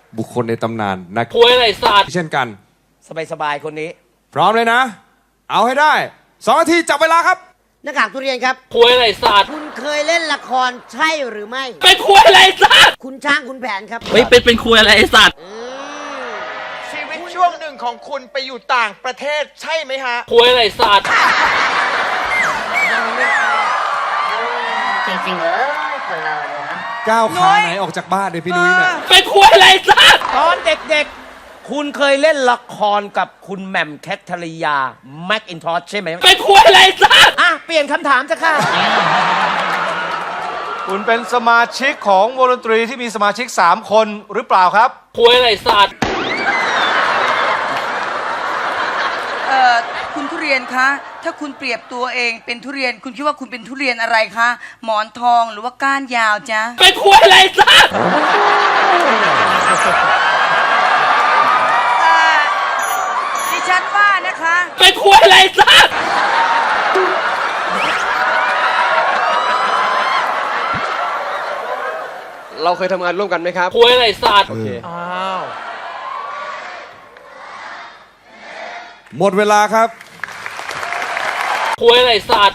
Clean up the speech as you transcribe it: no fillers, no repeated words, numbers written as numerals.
บุคคลในตำนานนักคุยอะไรสัตว์เช่นกันสบายๆคนนี้พร้อมเลยนะ เอาให้ได้2 นาทีจับเวลาครับหน้ากากทุเรียนครับคุยอะไรสัตว์คุณเคยเล่นละครใช่หรือไม่เป็นคุยอะไรสัตว์คุณช้างคุณแผนครับเฮ้ยเป็นคุยอะไรไอ้สัตว์ชีวิตช่วงหนึ่งของคุณไปอยู่ต่างประเทศใช่ไหมฮะคุยอะไรสัตว์จริงๆเลยคนเราเนี่ยนะก้าวขาไหนออกจากบ้านเลยพี่นุ้ยเนี่ยเป็นคุยอะไรสัตว์ตอนเด็กๆ คุณเคยเล่นละครกับคุณแหม่มแคทเธอรียาแม็กอินทอชใช่ไหมเป็นคุยอะไรสัตว์อ่ะ เปลี่ยนคำถามจะค่ะคุณเป็นสมาชิกของวงดนตรีที่มีสมาชิก 3 คนหรือเปล่าครับคุยอะไรสัตว์คุณทุเรียนคะ ถ้าคุณเปรียบตัวเองเป็นทุเรียน คุณคิดว่าคุณเป็นทุเรียนอะไรคะ หมอนทองหรือว่าก้านยาวจ๊ะเป็นคุยอะไรสัตว์ดิฉันว่านะคะเป็นคุยอะไรสัตว์เราเคยทำงานร่วมกันไหมครับคุยอะไรสัตว์อ้าวหมดเวลาครับคุยอะไรสัตว์